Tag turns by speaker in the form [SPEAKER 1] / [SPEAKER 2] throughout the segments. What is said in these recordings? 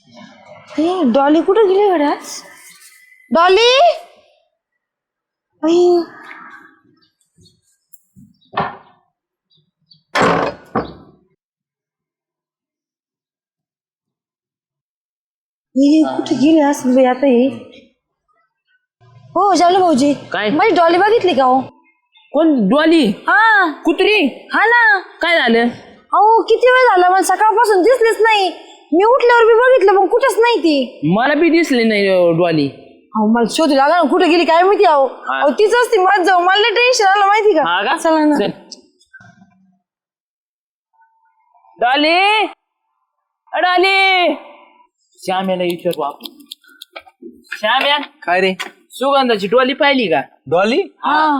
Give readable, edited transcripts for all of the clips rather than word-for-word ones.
[SPEAKER 1] Dolly कुठं गेली गड्याच? Dolly कुठे गेली असं आता हे? हो जावलं भाऊजी,
[SPEAKER 2] काय?
[SPEAKER 1] माझी डॉली बघितली का हो?
[SPEAKER 2] कोण डॉली?
[SPEAKER 1] हा
[SPEAKER 2] कुत्री?
[SPEAKER 1] हा ना.
[SPEAKER 2] काय झालं?
[SPEAKER 1] अहो किती वेळ झाला, मला सकाळपासून दिसलीच नाही. मी उठल्यावर बी बघितलं पण कुठंच नाही ती.
[SPEAKER 2] मला बी दिसली नाही डॉली.
[SPEAKER 1] अहो मला शोधू लागा ना, कुठे गेली काय माहिती. अहो तीच असती माझ जाऊ, मला टेन्शन आलं माहिती का. चला ना.
[SPEAKER 2] Dolly, Dolly. श्याम्याला विचारू आपण. श्याम्या,
[SPEAKER 3] काय रे
[SPEAKER 2] सुगंधाची डॉली पाहिली का?
[SPEAKER 3] डॉली
[SPEAKER 1] हा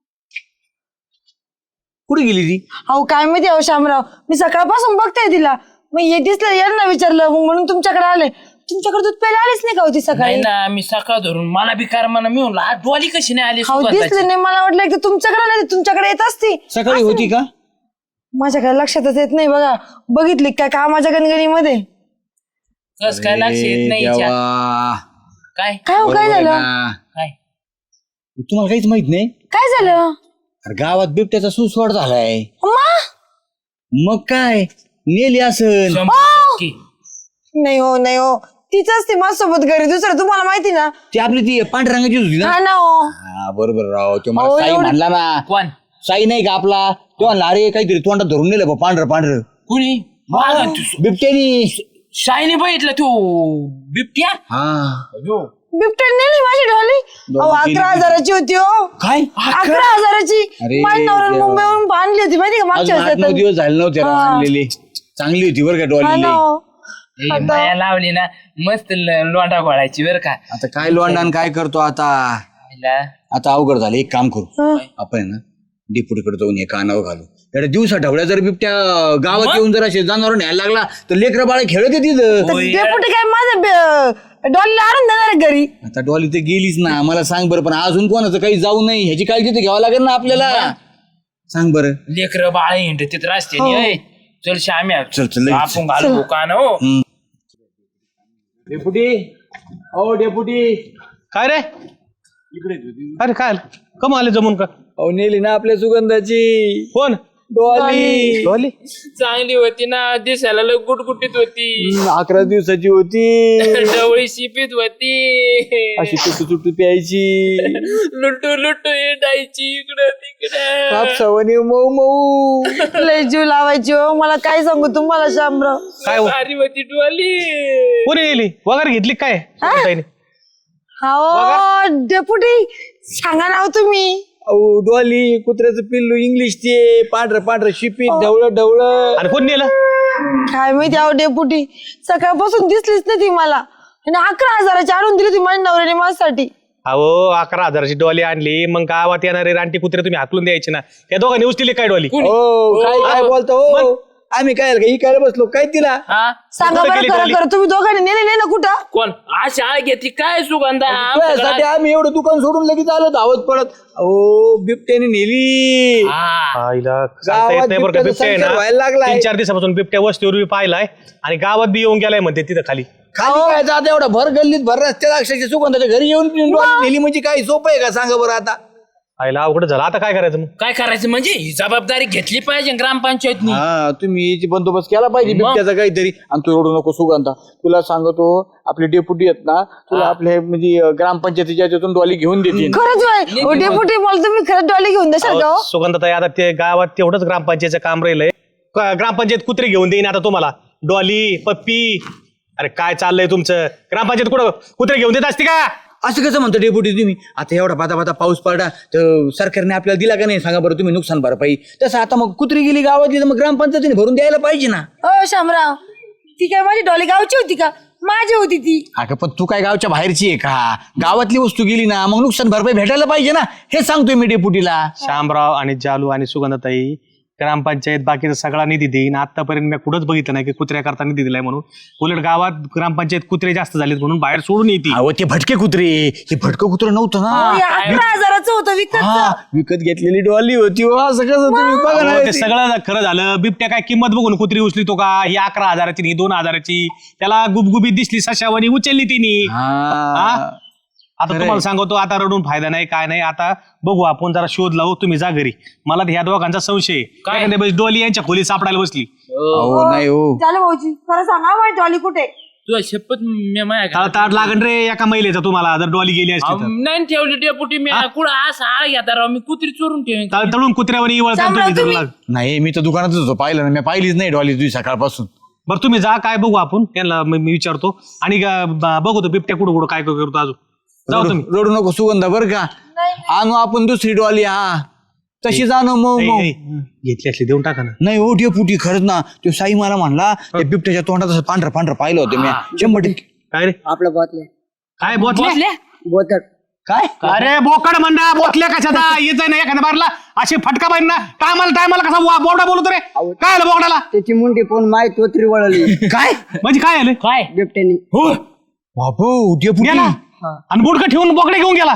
[SPEAKER 3] कुठे गेली ती?
[SPEAKER 1] अहो काय माहिती. अहो शामराव, मी सकाळपासून बघताय तिला. मग हे दिसलं यांना विचारलं, मग म्हणून तुमच्याकडे आले. तुमच्याकडे दूध प्यायला आलीच नाही का होती सकाळी?
[SPEAKER 2] नाही ना, मी सकाळ धरून मला बी कारमाना मी म्हणलं आज डॉली कशी नाही आली
[SPEAKER 1] अहो दिसले
[SPEAKER 2] सुगंधाची?
[SPEAKER 1] नाही, मला वाटलं की तुमच्याकडे नाही, तुमच्याकडे येत असती.
[SPEAKER 3] सकाळी होती का?
[SPEAKER 1] माझ्याकडे लक्षातच येत नाही. बघा बघितली काय कामाच्या गणगणीमध्ये?
[SPEAKER 2] कस काय लक्ष येत नाही हिच्या? काय
[SPEAKER 1] काय हो, काय झालं?
[SPEAKER 2] काय
[SPEAKER 3] तुम्हाला काहीच माहित नाही?
[SPEAKER 1] काय झालं?
[SPEAKER 3] अरे गावात बिबट्याचा सुसवाड झालाय.
[SPEAKER 1] अम्मा?
[SPEAKER 3] मग काय नेली असन?
[SPEAKER 2] 100%.
[SPEAKER 1] नाही हो, नाही हो, तीच असते माझ्यासोबत घरी. दुसरं तुम्हाला माहिती ना.
[SPEAKER 3] ती आपली ती पांढऱ्या रंगाची होती ना?
[SPEAKER 1] हा ना हो.
[SPEAKER 3] हा बरोबर राव. तो मला
[SPEAKER 1] अहो,
[SPEAKER 3] साई
[SPEAKER 1] एवढं-
[SPEAKER 3] म्हणला ना.
[SPEAKER 2] कोण?
[SPEAKER 3] साई नाही का आपला? तो म्हणला अरे काहीतरी तोंडात धरून नेलं बा पांढरं पांढरं.
[SPEAKER 2] कुणी?
[SPEAKER 3] बिबट्यानी.
[SPEAKER 2] शाईने बघितलं तू बिबट्या?
[SPEAKER 3] हा
[SPEAKER 1] बिबट्या नेली माझी डॉली. अहो 11,000ची होती हो.
[SPEAKER 3] काय?
[SPEAKER 1] 11,000ची.
[SPEAKER 3] अरे
[SPEAKER 1] माझ्या नवऱ्याने
[SPEAKER 3] देवा.
[SPEAKER 1] मुंबईवरून आणली होती माहिती का मागच्या
[SPEAKER 3] अजून 8-9
[SPEAKER 1] वर्षी.
[SPEAKER 3] दिवस झाले नव्हते राव
[SPEAKER 1] हा.
[SPEAKER 3] आणलेली. चांगली होती बरं का
[SPEAKER 1] हा
[SPEAKER 3] डॉली.
[SPEAKER 1] ना हो.
[SPEAKER 2] ए, माया लावली ना मस्त लोंडा घोळायची बर का.
[SPEAKER 3] आता काय लोंडान काय करतो आता?
[SPEAKER 2] हिला
[SPEAKER 3] आता अवघड झालं. एक काम करू
[SPEAKER 1] हं.
[SPEAKER 3] आपण आहे ना डेपुटीकडे जाऊन हे कानावर घालू. एवढ्या दिवसा ढवळ्या जर बिबट्या गावात येऊन जर असे जनावर न्यायला लागला तर लेकरं बाळ खेळत तिथं.
[SPEAKER 1] तर डेपुटी काय माझ्या डॉलीला आणून देणार आहे घरी?
[SPEAKER 3] आता डॉली तर गेलीच ना. मला सांग बरं, पण अजून कोणाचं काही जाऊ नये ह्याची काळजी तर घ्यावं लागेल ना आपल्याला. सांग बरं.
[SPEAKER 2] लेकर बाळ हिंड तिथं रस्त्याने. चल श्याम्या,
[SPEAKER 3] चल, चल, लगेच.
[SPEAKER 2] आपण घालू दुकान हो.
[SPEAKER 3] डेपुटी, ओ डेपुटी.
[SPEAKER 4] काय रे? अरे काय कम आले जमून का?
[SPEAKER 3] अहो नेली ना आपल्या सुगंधाची
[SPEAKER 4] कोण?
[SPEAKER 3] डॉली.
[SPEAKER 4] डॉली
[SPEAKER 2] चांगली होती ना, दिसायला लय गुटगुटीत होती.
[SPEAKER 3] 11 दिवसाची होती.
[SPEAKER 2] डवळी शिपीत होती.
[SPEAKER 3] अशी तुटू तुटू प्यायची.
[SPEAKER 2] लुटू लुटू हिंडायची इकडं तिकडं.
[SPEAKER 3] कापसावणी मऊ मऊ.
[SPEAKER 1] लय जीव लावायची हो. मला काय सांगू तुम्हाला शामराव.
[SPEAKER 4] काय हो?
[SPEAKER 2] भारी होती डोली.
[SPEAKER 4] कोणी गेली वगैरे घेतली काय? ताईने?
[SPEAKER 1] हो डेपुटी सांगा ना हो तुम्ही.
[SPEAKER 3] अहो डॉली कुत्र्याचं पिल्लू इंग्लिश ते पांढरं पांढरं शिपीत ढवळं ढवळं.
[SPEAKER 4] आणि कोण नेलं?
[SPEAKER 1] काय माहिती अहो डेपुटी, सकाळपासून दिसलीच नाही ती मला. आणि 11,000ची आणून दिली होती माझ्या नवऱ्याने माझ्यासाठी.
[SPEAKER 4] अहो 11,000ची डॉली आणली, मग गावात येणारे रानटी कुत्रे तुम्ही हाकलून द्यायचे ना. या दोघांनी उचलेले काय डॉली?
[SPEAKER 3] हो काय काय बोलतो हो? आम्ही काय ही काय बसलो काय तिला?
[SPEAKER 2] हा
[SPEAKER 1] सांगा
[SPEAKER 4] कुठं
[SPEAKER 1] बरं
[SPEAKER 4] गेली
[SPEAKER 1] खरं
[SPEAKER 4] डॉली?
[SPEAKER 1] खरं, तुम्ही दोघांनी नेले नाही ना कुठं?
[SPEAKER 2] कोण अशी आळ घेतली काय सुगंधा?
[SPEAKER 3] त्यासाठी आम्ही एवढं दुकान सोडून लगेच आलो धावत पडत. अहो बिबट्याने नेली.
[SPEAKER 2] हा.
[SPEAKER 4] आईला सांगता येत नाही बरं का. बिबट्या आहे
[SPEAKER 3] संसार व्हायला
[SPEAKER 4] ना
[SPEAKER 3] लागलाय.
[SPEAKER 4] 3-4 दिवसापासून बिबट्या वस्तीवर बी पाहिलाय आणि गावात बी येऊन गेलाय म्हणते तिथं खाली.
[SPEAKER 3] खाली काय जात एवढा भर गल्लीत भर रस्त्यात अक्षरशः सुगंधाच्या घरी येऊन डॉली नेली म्हणजे काय सोपं आहे का सांगा बरं आता?
[SPEAKER 4] आईला अवघड झालं. आता काय करायचं मग?
[SPEAKER 2] काय करायचं म्हणजे ही जबाबदारी घेतली पाहिजे ग्रामपंचायतनी.
[SPEAKER 3] हा तुम्ही याची बंदोबस्त केला पाहिजे
[SPEAKER 2] मग?
[SPEAKER 3] बिबट्याचा काहीतरी. आणि तू एवढं नको सुगंधा. तुला सांगतो आपले डेप्युटी आहेत ना, तुला आपल्या म्हणजे ग्रामपंचायतीच्या याच्यातून डॉली घेऊन देतील.
[SPEAKER 1] खरंच होय हो डेपुटी, मला तुम्ही खरंच डॉली घेऊन द्याल का हो?
[SPEAKER 4] सुगंधताई आता ते गावात तेवढंच ग्रामपंचायतचं काम राहिलंय. ग्रामपंचायत कुत्रे घेऊन देईन आता तुम्हाला. डॉली पप्पी. अरे काय चाललंय तुमचं? ग्रामपंचायत कुठं कुत्रे घेऊन देत असते का?
[SPEAKER 3] असं कसं म्हणतो डेप्युटी तुम्ही? आता एवढा पाता पाऊस पडला तर सरकारने आपल्याला दिला का नाही सांगा बरं तुम्ही? नुकसान भरपाई तसं आता मग कुत्री गेली गावातली तर मग ग्रामपंचायतीने भरून द्यायला पाहिजे ना.
[SPEAKER 1] हो शामराव, ती काय माझी डॉली गावची होती का? माझी होती ती.
[SPEAKER 3] अगं पण तू काय गावच्या बाहेरची आहे का? गावातली वस्तू गेली ना मग नुकसान भरपाई भेटायला पाहिजे ना. हे सांगतोय मी डेप्युटीला.
[SPEAKER 4] श्यामराव आणि जालू आणि सुगंधताई ग्रामपंचायत बाकीचा सगळा निधी देईन. आतापर्यंत मी कुठंच बघितलं नाही की कुत्र्या करता निधी दिलाय म्हणून. उलट गावात ग्रामपंचायत कुत्रे जास्त झालेत म्हणून बाहेर सोडून येते.
[SPEAKER 3] अहो ते भटके कुत्रे, हे भटकं कुत्रं नव्हतं ना.
[SPEAKER 1] 11,000चं होतं विकत.
[SPEAKER 3] हा, विकत घेतलेली डॉली होती. असं कसं तुम्ही बघा ना.
[SPEAKER 4] ते सगळं खरं झालं. बिबट्या काय किंमत बघून कुत्री उचली का? ही 11,000ची, ही 2,000ची. त्याला गुबगुबीत दिसली सशावानी उचलली तिने.
[SPEAKER 3] हा.
[SPEAKER 4] आता तुम्हाला सांगतो, आता रडून फायदा नाही, काय नाही. आता बघू आपण जरा शोध लावू. तुम्ही जा घरी. मला ह्या दोघांचा संशय आहे. काय डोली यांच्या खोली सापडायला बसली.
[SPEAKER 3] अहो नाही हो.
[SPEAKER 1] झालं भाऊजी, खरं सांगा माझी डॉली कुठे?
[SPEAKER 2] तुझ्या शपथ मी माझ्या
[SPEAKER 4] ताट लागण रे एका महिलेचा तुम्हाला, जर डॉली गेली असती तर.
[SPEAKER 2] नाही ठेवली डेपुटी मी कुठं असं आळ घेता राव. मी कुत्री चोरून ठेवीन.
[SPEAKER 4] तळून कुत्र्यावर इवळता तुम्ही जर लाग.
[SPEAKER 3] नाही मी तर दुकानातच होतो, पाहिलं ना मी. पाहिलीच नाही डॉली तुझी सकाळपासून.
[SPEAKER 4] बरं तुम्ही जा, काय बघू आपण. त्यांना मी विचारतो आणि बघू तो बिबट्या कुठं कुठं काय करतो अजून. जाऊ तुम्ही.
[SPEAKER 3] रडू नको सुगंधा बरं का. आणू आपण दुसरी डॉली. हा तशीच आणू. मग
[SPEAKER 4] घेतली असली देऊन टाका ना.
[SPEAKER 3] नाही हो डेपुटी, खरंच ना. तो साई मला म्हणला त्या बिबट्याच्या तोंडात असं पांढरं पांढरं पाहिलं होतं मी. 100%.
[SPEAKER 4] काय रे
[SPEAKER 5] आपलं बोतले
[SPEAKER 4] काय बोतल्या
[SPEAKER 5] बोतड
[SPEAKER 3] काय
[SPEAKER 4] अरे बोकड म्हणा बोतल्या कशाचा येत आहे ना एखाद्या बारला अशी फटका पाहिजे ना. टायमाला कसा बोबडा बोलतो रे. काय आलं बोकडाला.
[SPEAKER 5] त्याची मुंडी पण माय तोत्री वळली
[SPEAKER 3] काय
[SPEAKER 4] म्हणजे काय आलं
[SPEAKER 2] काय
[SPEAKER 5] बिबट्यानी.
[SPEAKER 4] हो
[SPEAKER 3] बापू डेपुटी.
[SPEAKER 4] गेला आणि बोडकं ठेवून बोकडे घेऊन गेला.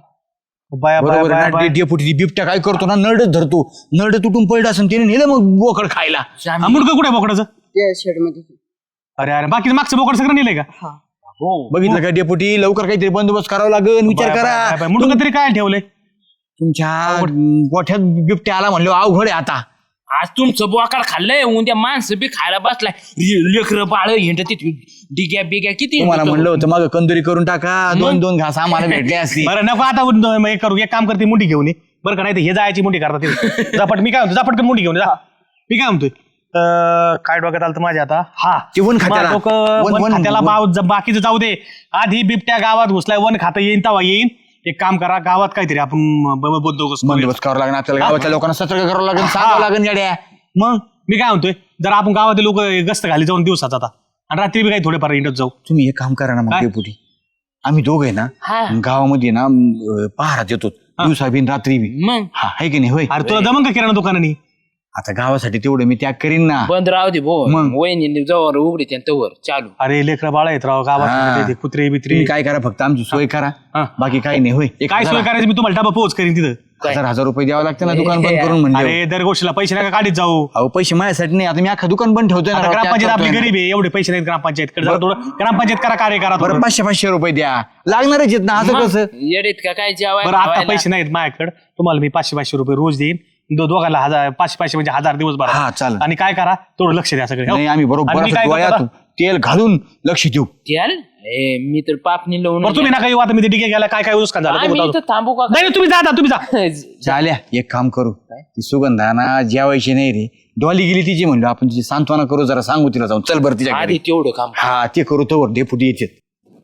[SPEAKER 4] बाया
[SPEAKER 3] बरोबर
[SPEAKER 4] बाया
[SPEAKER 3] आहे ना. डेपुटी ती बिबट्या काय करतो ना, नरडच धरतो. नरड तुटून पडलं असं त्याने नेलं मग बोकड खायला.
[SPEAKER 4] मुडकं कुठे बोकडाचं.
[SPEAKER 5] त्या शेड मध्ये
[SPEAKER 4] अरे अरे बाकीचं मागचं बोकड सगळं नेलंय का.
[SPEAKER 3] बघितलं का डेपुटी, लवकर काहीतरी बंदोबस्त करावा लागेल. विचार करा.
[SPEAKER 4] मुडकं तरी काय ठेवलंय.
[SPEAKER 3] तुमच्या गोठ्यात बिबट्या आला म्हणलं अवघड आहे आता.
[SPEAKER 2] आज तुमचं बोकाड खाल्लंय. उद्या माणसं बी खायला बसलाय. लेकरं बाळ हिंड तिथे डिग्या बिग्या किती
[SPEAKER 3] तुम्हाला म्हणलं होतं मग कंदुरी करून टाका. 2-2 घास आम्हाला भेटले असते.
[SPEAKER 4] बरं नको आता एक करू. एक काम करते मुंडी घेऊन ये बरं का. नाही तर हे जायची मुंडी करतात. झपट मी काय म्हणतो झपट मुंडी घेऊन जा. मी काय म्हणतोय काय डोक्यात आलं तर माझ्या आता. हा
[SPEAKER 3] ते वन खात्याला.
[SPEAKER 4] वन खात्याला बाकीचं जाऊ दे. आधी बिबट्या गावात घुसलाय. वन खातं येईन तेव्हा येईन. एक काम करा गावात काहीतरी आपण
[SPEAKER 3] बंदोबस्त करावा लागेल आपल्याला. गावाच्या लोकांना सतर्क करावं लागेल, सांगावं लागेल गाड्या.
[SPEAKER 4] मग मी काय म्हणतोय जर आपण गावातील लोक गस्त घाली जाऊन दिवसात आता आणि रात्री बी काही थोडेफार इंडत जाऊ.
[SPEAKER 3] तुम्ही एक काम करा ना मग डेपुटी. आम्ही दोघं आहे ना गावामध्ये ना पहारात येतो दिवसा बिन रात्री बी.
[SPEAKER 2] मग
[SPEAKER 3] हा आहे की नाही. होय
[SPEAKER 4] अरे तुला जमन का किराणा दुकानानी.
[SPEAKER 3] आता गावासाठी तेवढं मी त्याग करीन ना.
[SPEAKER 2] बंद राहू दे भो.
[SPEAKER 3] मग?
[SPEAKER 2] वहिनी जवळ उघडी तवर चालू.
[SPEAKER 4] अरे लेकरा बाळा येत राव
[SPEAKER 3] हा.
[SPEAKER 4] गावात कुत्रे बित्रे.
[SPEAKER 3] तुम्ही काय करा फक्त आमची सोय करा.
[SPEAKER 4] हा.
[SPEAKER 3] बाकी काही नाही. होय
[SPEAKER 4] काय सोय करायची मी तुम्हाला डबा पोच करीन तिथं.
[SPEAKER 3] 1000 रुपये द्यावं लागतं ना दुकान बंद करून म्हणजे.
[SPEAKER 4] अरे दर गोष्टीला पैसे नका काढीत जाऊ.
[SPEAKER 3] अहो पैसे माझ्यासाठी नाही. आता मी अख्खा दुकान बंद ठेवतोय
[SPEAKER 4] आता
[SPEAKER 3] ना.
[SPEAKER 4] ग्रामपंचायत आपली गरीब आहे. एवढे पैसे नाहीत ग्रामपंचायतकडे. जरा थोडं ग्रामपंचायत करा कार्य करा
[SPEAKER 3] बरं
[SPEAKER 4] थोडं.
[SPEAKER 3] 500 रुपये द्या. लागणारच आहेत ना. असं कसं.
[SPEAKER 2] येडीत का काय जेवाय
[SPEAKER 4] बरं आता पैसे नाहीत माझ्याकडे. तुम्हाला मी 500 रुपये रोज देईन. दोघांना 500 म्हणजे 1000 दिवस भरा.
[SPEAKER 3] हा चालेल.
[SPEAKER 4] आणि काय करा थोडं लक्ष द्या सगळे.
[SPEAKER 3] नाही आम्ही बरोबर
[SPEAKER 4] आणि मी
[SPEAKER 3] असं
[SPEAKER 4] काय करतो
[SPEAKER 3] डोळ्यात
[SPEAKER 4] आता?
[SPEAKER 3] तेल घालून लक्ष देऊ.
[SPEAKER 2] त्याल मी तर पापणी लावून
[SPEAKER 4] बरं तुम्ही नका येऊ आता. मी ते डिगे गेला काय काय नुकसान झालं ते
[SPEAKER 2] आम्ही
[SPEAKER 4] बघतो.
[SPEAKER 2] इथं थांबू का
[SPEAKER 4] नाही तुम्ही जा आता, तुम्ही जा.
[SPEAKER 3] चाल्या एक काम करू. ती सुगंधा ना जेवायची नाही रे. डॉली गेली तिची म्हणलं आपण तिची सांत्वना करू. जरा सांगू तिला जाऊन चल बरं तिच्या
[SPEAKER 2] आधी
[SPEAKER 3] घरी.
[SPEAKER 2] तेवढं काम.
[SPEAKER 3] हा ते करू तोवर डेपुटी येते.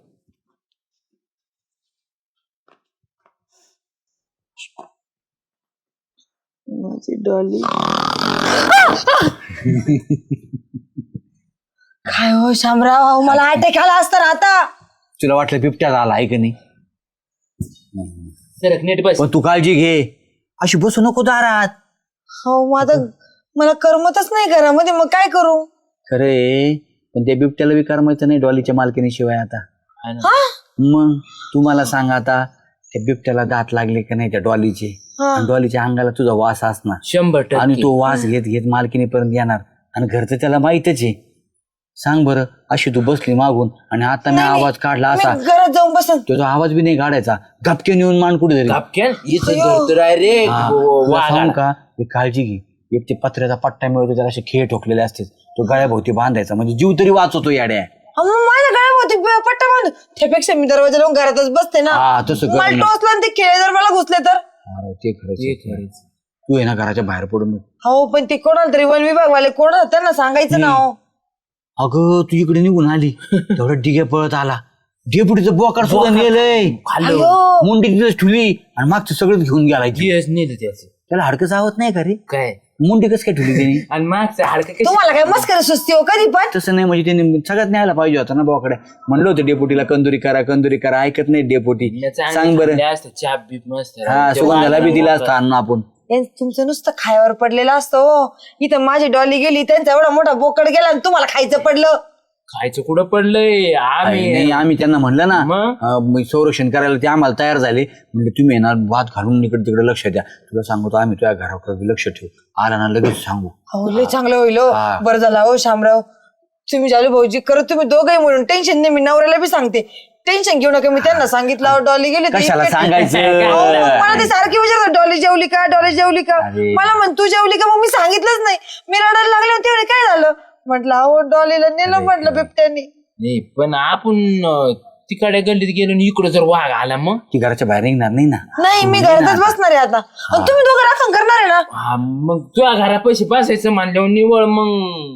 [SPEAKER 1] माझी डॉली. काय हो शामराव, मला अटॅक आला असता ना आता.
[SPEAKER 3] तुला वाटलं बिबट्या आला आहे का नाही.
[SPEAKER 2] सरक नीट बस.
[SPEAKER 3] पण तू काळजी घे. अशी बसू नको दारात.
[SPEAKER 1] हो मला करमतच नाही घरामध्ये. मग काय करू.
[SPEAKER 3] खरे पण त्या बिबट्याला बी करमायचं नाही डॉलीच्या मालकीनीशिवाय आता.
[SPEAKER 1] हा
[SPEAKER 3] मग तुम्हाला सांग आता त्या बिबट्याला दात लागले का नाही त्या डॉलीचे. आणि डॉलीच्या अंगाला तुझा वास असणार.
[SPEAKER 2] 100%.
[SPEAKER 3] आणि तो वास घेत घेत मालकीनीपर्यंत येणार. आणि घरचं त्याला माहितच आहे. सांग बरं अशी तू बसली मागून आणि आता मी आवाज काढला असा.
[SPEAKER 1] मी घरात जाऊन बसन.
[SPEAKER 3] तो आवाज बी नाही काढायचा. गपके नेऊन मान कुठे तरी.
[SPEAKER 2] कापकेल इथं धरतो आहे रे.
[SPEAKER 3] तुला सांगू का एक काळजी घे. एक ते पत्र्याचा पट्टा मिळतो त्याला असे खेळ ठोकलेले असते. तो गळ्याभोवती बांधायचा म्हणजे जीव तरी वाचवतो याड्या.
[SPEAKER 1] मग माझ्या गळ्यामध्ये पट्टा बांध. त्यापेक्षा मी दरवाजा लावून घरातच बसते ना.
[SPEAKER 3] हा तसं कर
[SPEAKER 1] मला
[SPEAKER 3] ना.
[SPEAKER 1] टोचलं आणि ते खेळ जर मला घुसले तर.
[SPEAKER 3] अरे ते खरंच. तू आहे ना घराच्या बाहेर पडून.
[SPEAKER 1] हो पण ते कोणाला तरी वन विभागवाले कोण त्यांना सांगायचं ना. हो
[SPEAKER 3] अगं तू इकडे निघून आली तेवढं डिगे पळत आला. डेपुटीचं बोकाड सुद्धा नेलंय. मुंडी तिथेच ठेवली आणि मागचं सगळं घेऊन गेलाय.
[SPEAKER 2] नेलं त्याचं.
[SPEAKER 3] त्याला हडकं चावत नाही का रे.
[SPEAKER 2] काय
[SPEAKER 3] मुंडी कसं काय ठेवली त्यांनी.
[SPEAKER 2] आणि मागचं हाडकं कशी.
[SPEAKER 1] तुम्हाला काय मस्करी सुस्ती हो कधी पण.
[SPEAKER 3] तसं नाही म्हणजे त्यांनी सगळ्यात न्यायला पाहिजे होता ना बोकडे. म्हणलं होतं डेपुटीला कंदुरी करा ऐकत नाही डेपुटी. सांग बरं.
[SPEAKER 2] असतं चाप बीप मस्त.
[SPEAKER 3] हा सुगंधाला बी दिला असता अन्न आपण.
[SPEAKER 1] तुमचं नुसतं खायावर पडलेलं असतं हो. इथं माझी डॉली गेली, त्यांचा एवढा मोठा बोकड गेला आणि तुम्हाला खायचं पडलं.
[SPEAKER 2] खायचं कुठं पडलंय आम्ही
[SPEAKER 3] नाही आम्ही त्यांना म्हणलं ना
[SPEAKER 2] मग?
[SPEAKER 3] संरक्षण करायला ते आम्हाला तयार झाले. म्हणजे तुम्ही येणार भात घालून इकडे तिकडे लक्ष द्या. तुला सांगतो आम्ही तुझ्या घराकडे लक्ष ठेवू. आला ना लगेच सांगू.
[SPEAKER 1] हो लय चांगलं होईल हो.
[SPEAKER 3] हा.
[SPEAKER 1] बरं झालं हो शामराव, तुम्ही जालू भाऊजी करत तुम्ही दोघंही म्हणून टेन्शन नाही. मी नवऱ्याला बी सांगते टेन्शन घेऊ नका. मी त्यांना सांगितलं डॉली गेली
[SPEAKER 3] कशाला सांगायचं?
[SPEAKER 1] मला ते सारखी विचारतात डॉली जेवली का, डॉली जेवली का.
[SPEAKER 3] अरे.
[SPEAKER 1] मला म्हण तू जेवली का. मग मी सांगितलंच नाही. मी रडायला लागले तेवढे काय झालं म्हटलं अहो डॉलीला नेलं म्हटलं बिबट्यानी.
[SPEAKER 2] नाही पण आपण तिकडे गल्लीत गेलो आणि इकडे जर वाघ आला मग
[SPEAKER 3] की घराच्या बाहेर निघणार नाही ना.
[SPEAKER 1] नाही मी घरातच बसणार आहे आता. आणि तुम्ही दोघं राखण करणार आहे ना.
[SPEAKER 2] हा मग तुझ्या घरा पैसे बसायचं म्हणल्यावर निवळ मग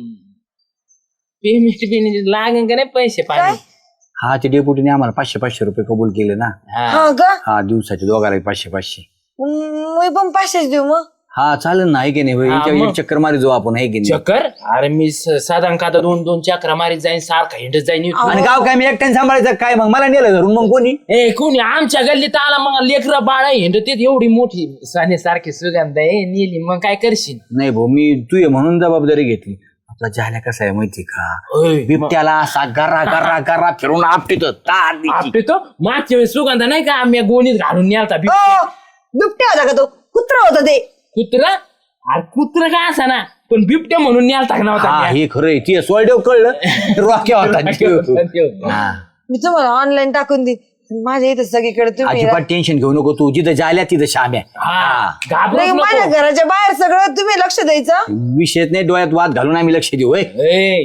[SPEAKER 2] पेमेंट बिमेंट लागेल का नाही पैसे पाणी.
[SPEAKER 3] हा ते डेप्युटीने आम्हाला 500 रुपये कबूल केले ना.
[SPEAKER 2] हा
[SPEAKER 1] हा का
[SPEAKER 3] हा दिवसाचे दोघाला 500.
[SPEAKER 1] मी पण 500 देऊ मग.
[SPEAKER 3] हा चालेल ना. आहे की नाही
[SPEAKER 2] हा,
[SPEAKER 3] याच्यावर
[SPEAKER 2] मग.
[SPEAKER 3] एक चक्कर मारी जाऊ आपण. आहे की नाही.
[SPEAKER 2] चक्कर अरे मी साधारण का 2-2 चक्रा मारीत जाईन सारखा हिंडत जाईन इथून.
[SPEAKER 3] आणि गाव काय मी एकट्याने सांभाळायचं काय? मग मला नेलं धरून मग कोणी?
[SPEAKER 2] ए कोणी आमच्या गल्लीत आला मग लेकरं बाळा हिंडत एवढी मोठी सारखी सुगंध आहे नेली मग काय करशील.
[SPEAKER 3] नाही भाऊ मी तू ये म्हणून जबाबदारी घेतली. आपला जाल्या कसा आहे माहिती का?
[SPEAKER 2] ओय,
[SPEAKER 3] बिबट्याला असा गरा गरा गरा फिरून आपटीतो तार द्यायची.
[SPEAKER 2] आपटे तो मागच्या वेळेस सुगंध नाही का आम्ही गोणीत घालून न्यालता
[SPEAKER 1] हो, बिबट्या होता का तो? कुत्रा होता ते.
[SPEAKER 2] कुत्रा अरे कुत्रा काय असा ना पण बिबट्या म्हणून न्यालता का
[SPEAKER 3] हा
[SPEAKER 2] नव्हता
[SPEAKER 3] हे खरंय. ती सोयडेव कळलं रॉक्या होता हा.
[SPEAKER 1] मी तुम्हाला ऑनलाईन टाकून दे. माझ्या इथं सगळीकडे तुम्ही
[SPEAKER 3] अजिबात टेन्शन घेऊ नको तू. जिथं जाल्या तिथं शाम्या.
[SPEAKER 2] हा घाबरू
[SPEAKER 1] नाही, माझ्या घराच्या बाहेर सगळं तुम्ही लक्ष द्यायचं.
[SPEAKER 3] विषयच नाही. डोळ्यात वाद घालून आम्ही लक्ष देऊ. होय.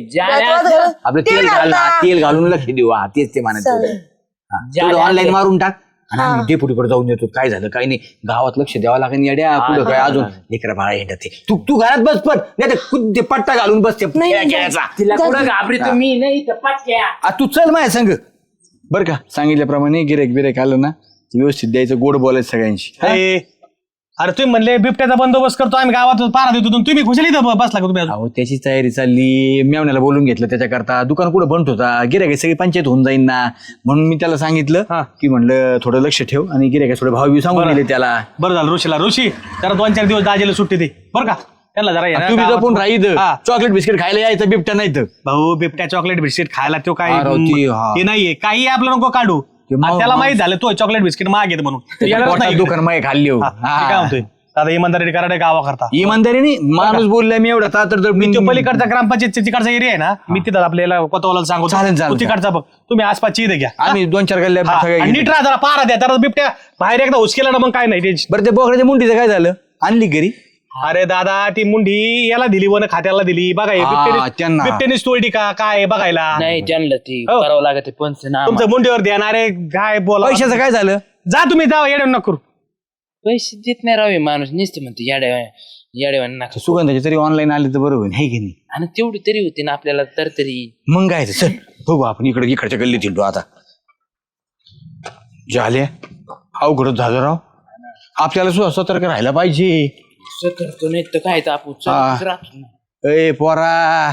[SPEAKER 3] आपलं तेल घालून तेल घालून लक्ष देऊ. हा तेच ते म्हणायचं. ऑनलाईन मारून टाक आणि आम्ही डेपुटीकडे जाऊन येतो. काय झालं काय नाही गावात लक्ष द्यावं लागेल. येड्या पुढं काय अजून लेकरा बाळा येतात. तू घरात बस पण नाही तर ते पट्टा घालून बसते खेळायचा.
[SPEAKER 2] तिला कुठं घाबरी तुम्ही नाही तर पटक्या.
[SPEAKER 3] तू चल माझ्या संग बरं का. सांगितल्याप्रमाणे गिरेक बिरेक आलं ना व्यवस्थित द्यायचं. गोड बोलायचं सगळ्यांशी.
[SPEAKER 4] अरे तुम्ही म्हणले बिबट्याचा बंदोबस्त करतो आम्ही गावात पारा देतो तुम्ही खुशाली इथं बसला का तुम्ही अजून?
[SPEAKER 3] अहो त्याची तयारी चालली. मेवण्याला बोलून घेतलं त्याच्याकरता. दुकान कुठं बंद होता. गिऱ्हाईक सगळी पंचायत होऊन जाईन ना म्हणून मी त्याला सांगितलं की म्हणलं थोडं लक्ष ठेव. आणि गिऱ्हाईक थोडे भाव सांगून दिले त्याला.
[SPEAKER 4] बरं झालं ऋषी जरा 2-4 दिवस दाजेला सुट्टी दे बरं का. त्यांना जरा ये ना
[SPEAKER 3] तुम्ही
[SPEAKER 4] गावात.
[SPEAKER 3] जपून राहील.
[SPEAKER 4] हा.
[SPEAKER 3] चॉकलेट बिस्किट खायला यायचं बिबट्या नाही तर.
[SPEAKER 4] भाऊ बिबट्या चॉकलेट बिस्किट खायला तो काय
[SPEAKER 3] अरे हा.
[SPEAKER 4] ते नाहीये काही आपलं नको काढू. त्याला माहित झालं तो चॉकलेट बिस्किट मागेत म्हणून येणारच नाही.
[SPEAKER 3] दुकान मागे खाल्ली हो.
[SPEAKER 4] हा, ते काय म्हणतोय दादा इमानदारी करा गावा करता.
[SPEAKER 3] इमानदारीने माणूस बोललाय मी एवढा तर
[SPEAKER 4] मी तो पलीकडचा ग्रामपंचायत तिकडचा एरिया आहे ना मी तिथं आपल्याला कोतवाला सांगतो.
[SPEAKER 3] चालेल.
[SPEAKER 4] तू तिकडचा बघ तुम्ही आसपासची इथे घ्या.
[SPEAKER 3] आम्ही 2-4 गल्ल्या
[SPEAKER 4] हा,
[SPEAKER 3] सगळ्या
[SPEAKER 4] आणि
[SPEAKER 3] घेतो.
[SPEAKER 4] नीट राहा जरा पारा द्या तर बिबट्या बाहेर एकदा हुसकेला ना मग काय नाही ते.
[SPEAKER 3] बरं ते बोकड्याच्या मुंडीचं काय झालं? आणली घरी?
[SPEAKER 4] अरे दादा ती मुंडी याला दिली वन खात्याला दिली बघा हे
[SPEAKER 3] त्यांना.
[SPEAKER 4] बिबट्यानेच तोडली का काय बघायला.
[SPEAKER 2] नाही त्यांना ती
[SPEAKER 4] हो.
[SPEAKER 2] करावं लागत पंचनामा.
[SPEAKER 4] तुमचं मुंडीवर ध्यान. अरे काय बोला
[SPEAKER 3] पैशाचं काय झालं?
[SPEAKER 4] जा तुम्ही जा येड्या नको करू.
[SPEAKER 2] पैसे देत नाही राहावे माणूस नुसतं म्हणतो याड्या नका.
[SPEAKER 3] सुगंधाची तरी ऑनलाईन आली तर बरोबर आहे की नाही?
[SPEAKER 2] आणि तेवढी तरी होती ना आपल्याला तर तरी.
[SPEAKER 3] मग काय चल बघू आपण इकडच्या गल्लीत हिंडू आता. झाले अवघडच झालं राव. आपल्याला सुद्धा सतर्क राहायला पाहिजे.
[SPEAKER 2] करतो नाही तर काय तर आपण
[SPEAKER 3] हा.
[SPEAKER 2] चलतच राहतो ना.
[SPEAKER 3] ए पोरा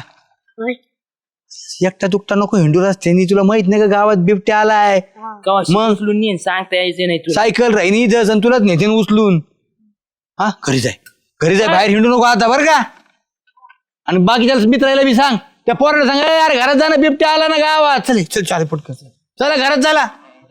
[SPEAKER 3] एकटा दुकटा नको हिंडू रस्त्यानी. तुला माहित नाही का गावात बिबट्या आलाय?
[SPEAKER 2] कवा
[SPEAKER 3] मग?
[SPEAKER 2] उचलून नेन सांगता यायचं नाही तुला.
[SPEAKER 3] सायकल राहिनी इथंच आणि तुलाच नेते उचलून. हा घरी जाय बाहेर हिंडू नको आता बरं का. आणि बाकीच्या मित्राला बी सांग. त्या पोराला सांग अरे घरात जाणं बिबट्या आला ना गावात. चल चालेल पटकन चला घरात झाला.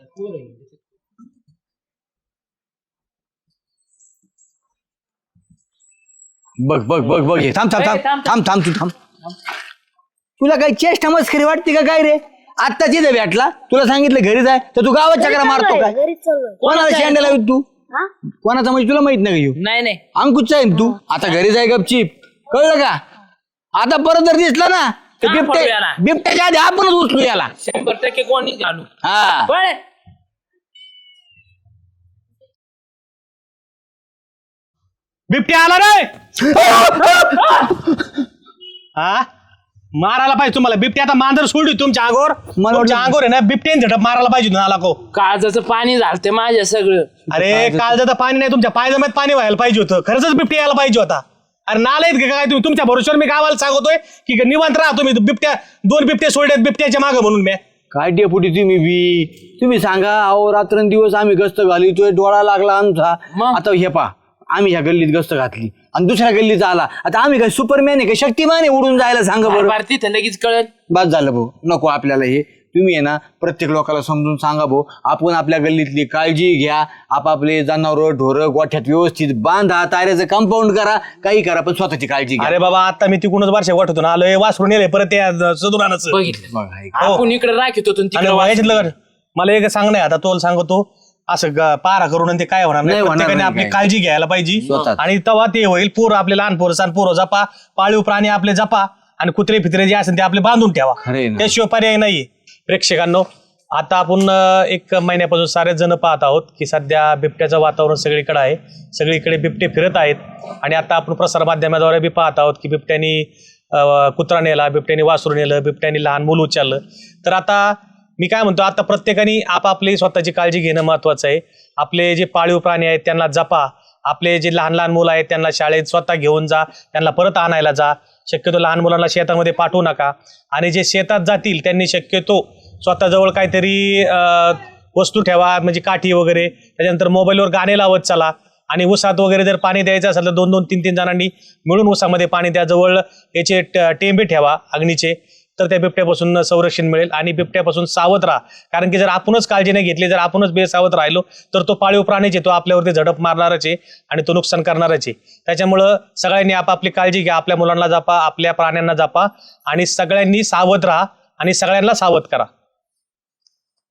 [SPEAKER 3] बघ हे थांब तू. तुला काही चेष्टा मस्करी वाटते का काय रे? आत्ता तिथं भेटला तुला सांगितलं घरी जाय तर तू गावात चक्रा मारतो काय? कोणाला शेंड्याला तू? कोणाचा म्हणजे तुला माहित नाही का?
[SPEAKER 2] नाही
[SPEAKER 3] अंकुशचा आहे तू. आता घरी जाय गपचीप. कळलं का? आता परत जर दिसला ना तर बिबट्याच्या आधी आपणच उचलू याला.
[SPEAKER 2] 100% कोणी घालू.
[SPEAKER 3] हा
[SPEAKER 2] पण
[SPEAKER 4] बिबट्या आला रे. हा मारायला पाहिजे तुम्हाला. बिबट्या आता मांजर सोडली तुमच्या अंगावर. तुमच्या अंगावर आहे ना बिबट्याने झटप मारायला पाहिजे ना आला को.
[SPEAKER 2] काळजाचं पाणी झालते माझ्या सगळं.
[SPEAKER 4] अरे काळजाचं पाणी नाही तुमच्या पायजम्यात पाणी व्हायला पाहिजे होतं. खरंच बिबट्या यायला पाहिजे होता. अरे नालायत का काय तुम्ही? तुमच्या भरोश्यावर मी गावाला सांगतोय की निवांत राहा तुम्ही. बिबट्या 2 बिबटे सोडलेत बिबट्याच्या मागं म्हणून मी.
[SPEAKER 3] काय डेपुटी तुम्ही सांगा. अहो रात्रंदिवस आम्ही गस्त घालितोय. डोळा लागला आमचा.
[SPEAKER 2] मग?
[SPEAKER 3] आता हे पा आम्ही ह्या गल्लीत गस्त घातली आणि दुसऱ्या गल्लीत आला, आता आम्ही काय सुपरमॅन आहे का शक्तिमान आहे उडून जायला? सांगा बरं.
[SPEAKER 2] बार तिथं लगेच कळत.
[SPEAKER 3] बस झालं भाऊ, नको आपल्याला हे. तुम्ही आहे ना प्रत्येक लोकांना समजून सांगा भाऊ, आपण आपल्या गल्लीतली काळजी घ्या, आपापले जनावर ढोरं गोठ्यात व्यवस्थित बांधा, ताऱ्याचं कंपाऊंड करा, काही करा, पण स्वतःची काळजी घ्या.
[SPEAKER 4] अरे बाबा आता मी तिकडूनच वर्ष वाटतो आलोय, वासरून येले परत त्या सदुरानाचं.
[SPEAKER 2] बघितलं
[SPEAKER 3] बघा, हे
[SPEAKER 2] आपण इकडे राखीत होतो आणि
[SPEAKER 4] आणि
[SPEAKER 2] तिकडे
[SPEAKER 4] व्हायचं मला एक सांग नाही, आता तोल सांगतो असं पारा करून आणि ते काय होणार नाही.
[SPEAKER 3] नाही होणार
[SPEAKER 4] प्रत्येकाने
[SPEAKER 3] नाही
[SPEAKER 4] आपली
[SPEAKER 3] काय.
[SPEAKER 4] काळजी घ्यायला पाहिजे
[SPEAKER 3] स्वतःच.
[SPEAKER 4] आणि तेव्हा ते होईल. पोरं आपले लहान पोरं सण पोरं जपा, पाळीव प्राणी आपले जपा आणि कुत्रे फित्रे जे असेल ते आपले बांधून ठेवा.
[SPEAKER 3] खरंय ना.
[SPEAKER 4] त्याशिवाय पर्याय नाही. प्रेक्षकांनो, आता आपण 1 महिन्यापासून सारेच जण पाहत आहोत की सध्या बिबट्याचं वातावरण सगळीकडे आहे, सगळीकडे बिबटे फिरत आहेत. आणि आता आपण प्रसारमाध्यमाद्वारे बी पाहत आहोत की बिबट्यानी कुत्रा नेला, बिबट्यानी वासरू नेलं, बिबट्यानी लहान मूल उचललं. तर आता मी काय म्हणतो, आता प्रत्येकाने आपापली स्वतःची काळजी घेणं महत्वाचं आहे. आपले जे पाळीव प्राणी आहेत त्यांना जपा, आपले जे लहान लहान मुलं आहेत त्यांना शाळेत स्वतः घेऊन जा, त्यांना परत आणायला जा. शक्यतो लहान मुलांना शेतामध्ये पाठवू नका. आणि जे शेतात जातील त्यांनी शक्यतो स्वतःजवळ काहीतरी वस्तू ठेवा, म्हणजे काठी वगैरे. त्याच्यानंतर मोबाईलवर गाणे लावत चला. आणि ऊसात वगैरे जर पाणी द्यायचं असेल तर 2-2, 3-3 जणांनी मिळून ऊसामध्ये पाणी द्या. जवळ याचे टेंबे ठेवा अग्नीचे, तर त्या बिबट्यापासून संरक्षण मिळेल. आणि बिबट्यापासून सावध राहा, कारण की जर आपणच काळजी नाही घेतली, जर आपणच बेसावध राहिलो तर तो पाळीव प्राणीचे तो आपल्यावरती झडप मारणारच आहे आणि तो नुकसान करणारच आहे. त्याच्यामुळं सगळ्यांनी आपापली काळजी घ्या, आपल्या मुलांना जपा, आपल्या प्राण्यांना जपा आणि सगळ्यांनी सावध राहा आणि सगळ्यांना सावध करा.